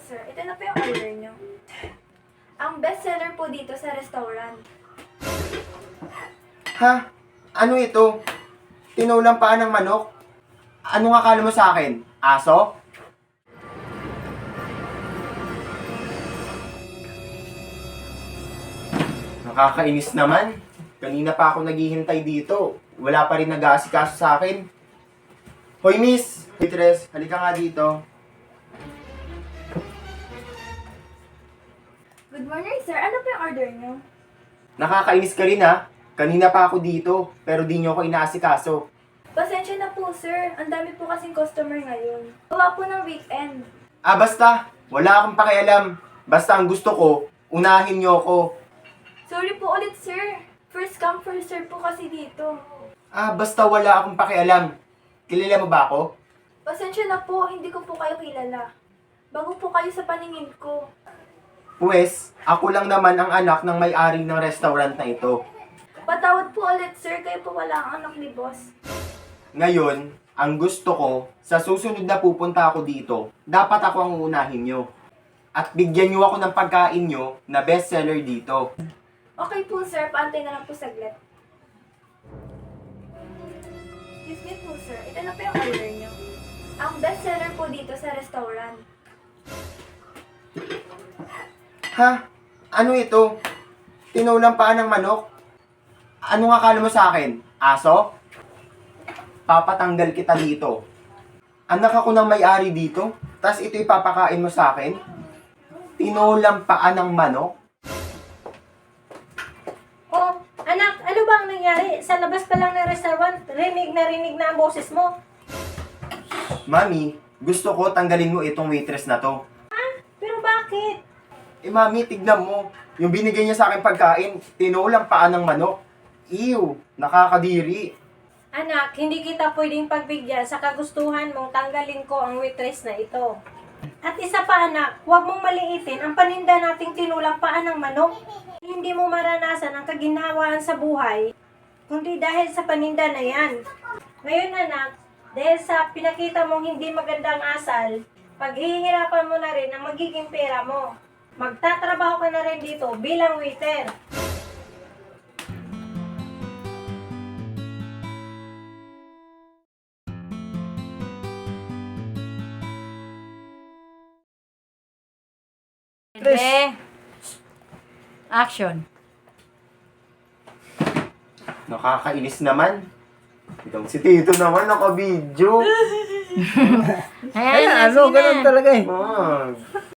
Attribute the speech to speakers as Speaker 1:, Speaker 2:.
Speaker 1: sir. Ito na po yung order nyo. Ang best seller po dito sa restaurant.
Speaker 2: Ha? Ano ito? Tinulang paa ng manok? Anong akala mo sa akin? Aso? Nakakainis naman. Kanina pa ako naghihintay dito. Wala pa rin nag-aasikaso sa akin. Hoy miss! Waitress, halika nga dito.
Speaker 1: Good morning, sir. Ano po yung order nyo?
Speaker 2: Nakakainis ka rin ha. Kanina pa ako dito, pero di nyo ako inaasikaso.
Speaker 1: Pasensya na po, sir. Ang dami po kasing customer ngayon. Gawa po ng weekend.
Speaker 2: Ah, basta. Wala akong pakialam. Basta ang gusto ko, unahin nyo ako.
Speaker 1: Sorry po ulit, sir. First come, first serve po kasi dito.
Speaker 2: Ah, basta wala akong pakialam. Kilala mo ba ako?
Speaker 1: Pasensya na po, hindi ko po kayo kilala. Bago po kayo sa paningin ko.
Speaker 2: Pwes, ako lang naman ang anak ng may-ari ng restaurant na ito.
Speaker 1: Patawad po ulit, sir. Kayo po wala ang anak ni boss.
Speaker 2: Ngayon, ang gusto ko, sa susunod na pupunta ako dito, dapat ako ang uunahin nyo. At bigyan nyo ako ng pagkain nyo na bestseller dito.
Speaker 1: Okay po, sir. Paantay na lang po saglit. Excuse me po, sir. Ito na po yung order nyo. Ang best seller po dito sa restaurant.
Speaker 2: Ha? Ano ito? Tinulang paa ng manok? Anong akala mo sa akin? Aso? Papatanggal kita dito. Anak ako ng may-ari dito, tas ito ipapakain mo sa akin? Tinulang paa ng manok?
Speaker 3: Oh, anak, ano ba ang nangyari? Sa labas pa lang ng restaurant, rinig na ang boses mo.
Speaker 2: Mami, gusto ko tanggalin mo itong waitress na to.
Speaker 3: Pero bakit?
Speaker 2: Eh mami, tignan mo. Yung binigay niya sa akin pagkain, tinulang paa ng manok. Ew, nakakadiri.
Speaker 3: Anak, hindi kita pwedeng pagbigyan sa kagustuhan mong tanggalin ko ang waitress na ito. At isa pa anak, huwag mong maliitin ang paninda nating tinulang paa ng manok. Hindi mo maranasan ang kaginhawaan sa buhay, kundi dahil sa paninda na yan. Ngayon anak, dahil sa pinakita mong hindi magandang asal, paghihirapan mo na rin ang magiging pera mo. Magtatrabaho ka na rin dito bilang waiter.
Speaker 4: Be. Action.
Speaker 2: Nakakainis naman. Itong si Tito naman naka-video.
Speaker 4: Ayan,
Speaker 5: Ano,
Speaker 4: sige na.
Speaker 5: ganun talaga eh.
Speaker 2: Ah,